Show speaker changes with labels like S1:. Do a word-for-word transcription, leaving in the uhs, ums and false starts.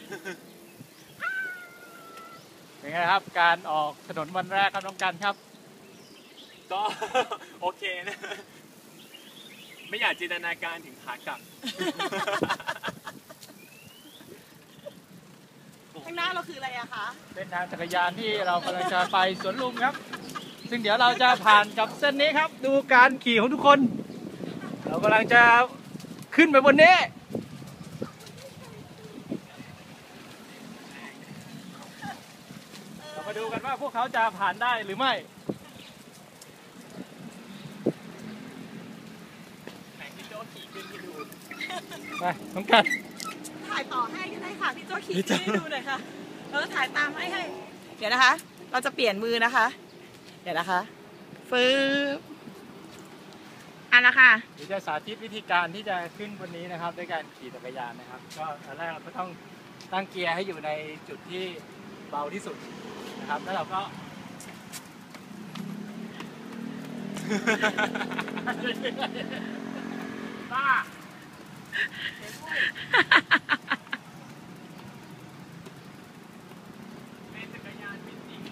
S1: เป็นไงครับการออกถนนวันแรกครับน้องกันครับ
S2: ก็โอเคนะไม่อยากจินตนาการถึงขากลับ
S3: ข้างหน้าเราคืออะไรอะคะ
S1: เป็นทางจักรยานที่เรากำลังจะไปสวนลุมครับซึ่งเดี๋ยวเราจะผ่านกับเส้นนี้ครับดูการขี่ของทุกคนเรากำลังจะขึ้นไปบนนี้เรามาดูกันว่าพวกเขาจะผ่านได้หรือไม่
S2: ไหนพี่โจ้ขี่ขึ้นให้ดู
S1: ไปน้องกัน
S3: ถ่ายต่อให้ก็ได้ค่ะพี่โจ้ขี่ขึ้นให้ดูหน่อยค่ะเออถ่ายตามให้ให้เดี๋ยวนะคะเราจะเปลี่ยนมือนะคะเดี๋ยวนะคะฟื้บอันละค่ะ
S1: เดี๋ยวจะสาธิตวิธีการที่จะขึ้นบนนี้นะครับด้วยการขี่จักรยานนะครับก็ตอนแรกเราก็ต้องตั้งเกียร์ให้อยู่ในจุดที่เบาที่สุดนะครับแล้วเราก็บ้าเป็นจักรยานเป็นจริง